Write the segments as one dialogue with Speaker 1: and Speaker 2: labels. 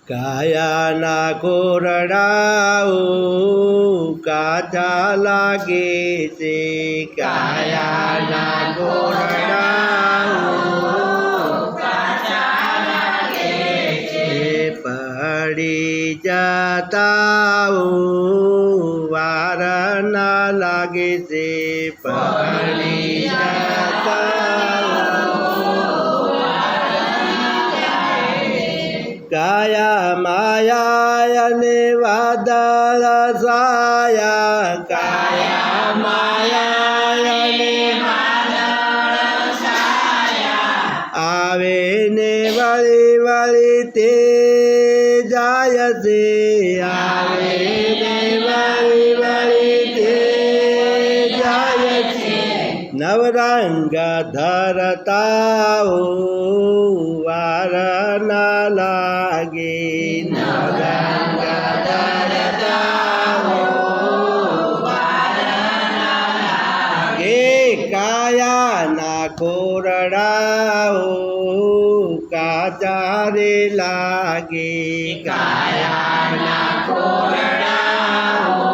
Speaker 1: કાયાના કોરડાઓ કાચા લાગે છે, કાયાના કોરડાઓ પડી જતાઓ વાર ના લાગે છે, પડી કાયા માયા અને વાદળ સાયા, કાયા માયા અને આવે ને વળી વળી તે જાય છે, આવે ને વળી વળી તે જાય છે, નવરંગ ધરતાઓ વાર ના લાગે, નવરંગ ધરતાઓ વાર ના લાગે, કાયાના કોરડાઓ કાચા રે લાગે, કાયાના કોરડાઓ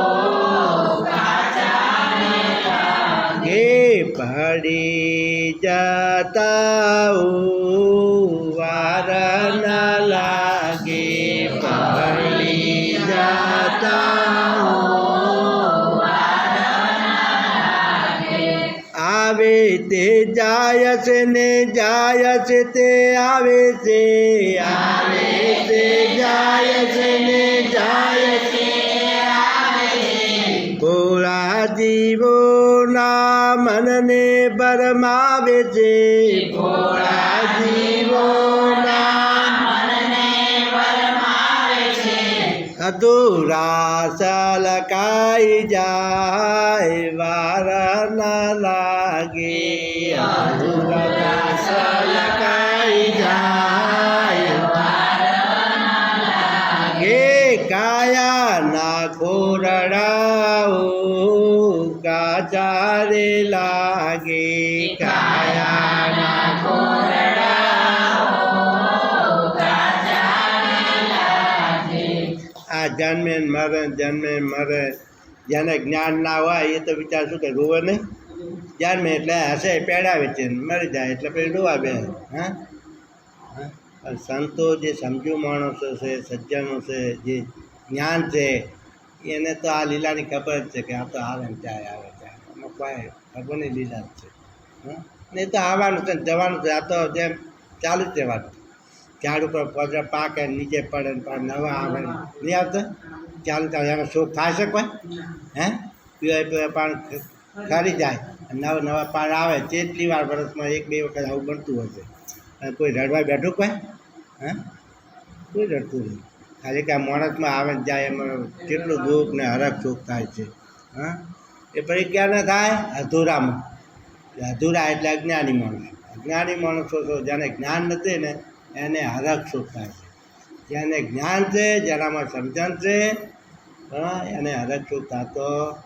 Speaker 1: કાચા રે લાગે, પડી જતાઓ વાર ના લાગે, પડી જતાઓ વાર ના લાગે, આવે તે જાય છે ને જાય છે તે આવે છે, આવે તે જાય છે ને જાય છે આવે છે, ભોળા જીવોના મનને ભરમાવે છે, ભોળા જીવોના મનને ભરમાવે છે, અધૂરા સલકાઈ જાય વાર ના લાગે, અધૂરા સલકાઈ જાય વાર ના લાગે, કાયાના કોરડાઓ કાચા રે લાગે, કાયાના કોરડાઓ કાચા રે લાગે. આ જન્મે મરે જેને જ્ઞાન ના હોય એ તો વિચાર શું કે રોવે નહીં, જન્મે એટલે હશે પેડાવે છે, મરી જાય એટલે પછી રોવા બે. હા, સંતો જે સમજુ માણસો છે, સજ્જનો છે, જે જ્ઞાન છે, એને તો આ લીલાની ખબર જ છે કે આ તો આવે ને જાય આવે જાય, એમાં કોઈ ભગવાનની લીલા જ છે. નહીં તો આવવાનું છે જવાનું છે, આ તો જેમ ચાલુ જ રહેવાનું, ઝાડ ઉપર પગરા પાકે નીચે પડે ને પણ નવા આવે નહીં આવતા, ચાલુ ચાલે એનો શોખ થાય છે કોઈ? હે પીવાય પાણી ખરી જાય, નવા નવા પાણી આવે, જેટલી વાર વર્ષમાં એક બે વખત આવું બનતું હશે, અને કોઈ રડવા બેઠું કોઈ? હે કોઈ રડતું નહીં, ખાલી કે આ માણસમાં આવે ને જાય એમાં કેટલું દુઃખ ને હરખ સુખ થાય છે. હા, એ પછી ક્યાં ન થાય? અધૂરામાં. અધૂરા એટલે અજ્ઞાની માણસો. અજ્ઞાની માણસો તો જેને જ્ઞાન નથી ને એને હરખ સુખ થાય છે, જેને જ્ઞાન છે, જેનામાં સમજણ છે, હા, એને હરખ સુખ થતો.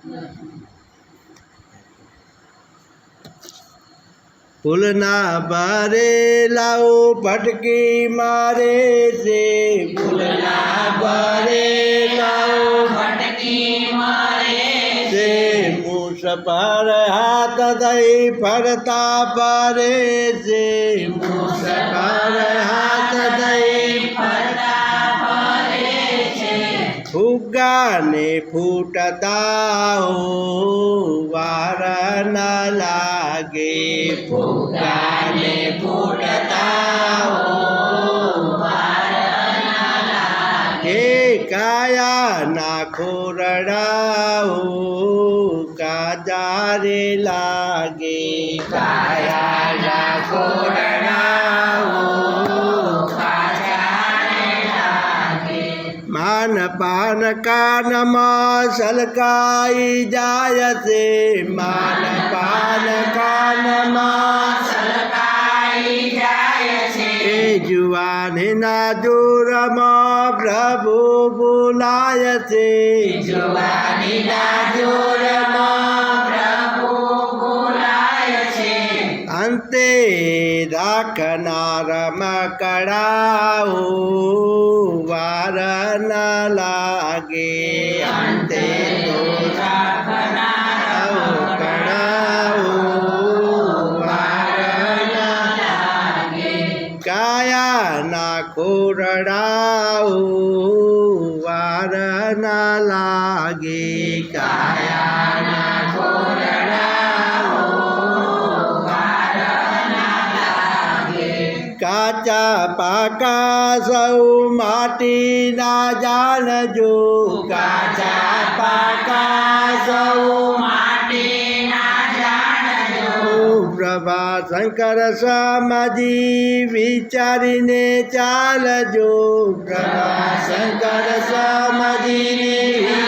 Speaker 1: ફૂલના ભરેલાઓ ભટકી મારે છે, ફૂલના ભરેલાઓ ભટકી મારે છે, મૂસ પર હાથ દઈ ફરતા ફરે છે, મૂસ પર હાથ દઈ ફરતા ફરે છે, ફુગ્ગાને ફૂટતા વાર ના લાગે, ફુગ્ગાને ફૂટતા વાર ના લાગે, કાયાના કોરડાઓ કાચા રે લાગે, કાયાના કોરડાઓ કાચા રે લાગે, માન પાન કાનમાં સલકાઈ જાય છે, માન પાન કાનમાં સલકાઈ જાય છે, એ જુવાનીના જોરમાં પ્રભુ બોલાય છે, જુવાનીના જોરમાં પ્રભુ બોલાય છે, અંતે રાખનાર મકડાઓ વા ખોરડાઓ વાર ના લાગે કાયાના ખોરડાઓ વાર ના લાગે કાચા પાકા સૌ માટીના જાણજો કાચા પાકા સૌ પ્રભા શંકર સ્વામીજી વિચારીને ચાલજો પ્રભા શંકર સ્વામીજી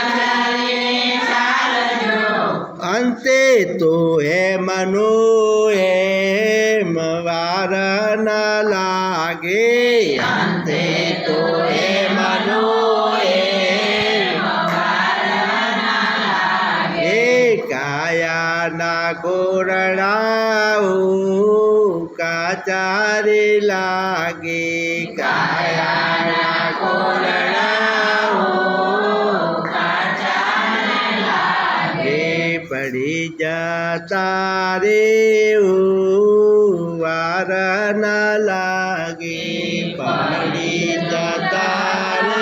Speaker 1: અંતે તો મનો એમ વાર ના લાગે અંતે તો મનો કાયાના કોરડાઓ કાચારે લાગે કાયાના કોરડાઓ કાચારે લાગે પડી જતા રે વાર ના લાગે પડી જતા રે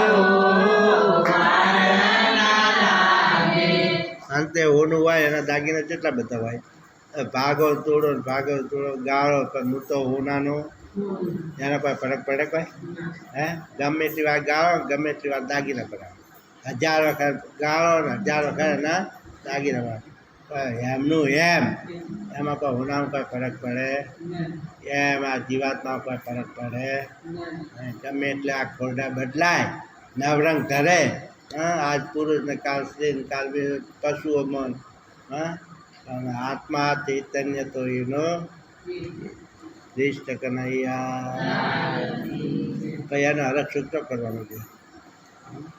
Speaker 1: અંતે હોનું હોય એના દાગીના કેટલા બધા હોય ભાગો તોડો ગાળો પણ હું તો હોનાનો એના કોઈ ફરક પડે કોઈ હે ગમે એટલી વાર ગાળો ગમે એટલી વાર દાગીના પડાવે 1000 વખત ગાળો ને 1000 વખત એના દાગીના પડાવે એમનું એમાં કોઈ હોનામાં કોઈ ફરક પડે એમ આ જીવાતમાં કોઈ ફરક પડે ગમે એટલે આ ખોરડા બદલાય નવરંગ ધરે આજ પુરુષ ને કાલ સ્ત્રી ને કાલ પશુઓ મન અને આત્મા ચૈતન્ય તો એનો દિષ્ટ કનૈયા પછી એનો હરખ સૂત્ર કરવાનું છે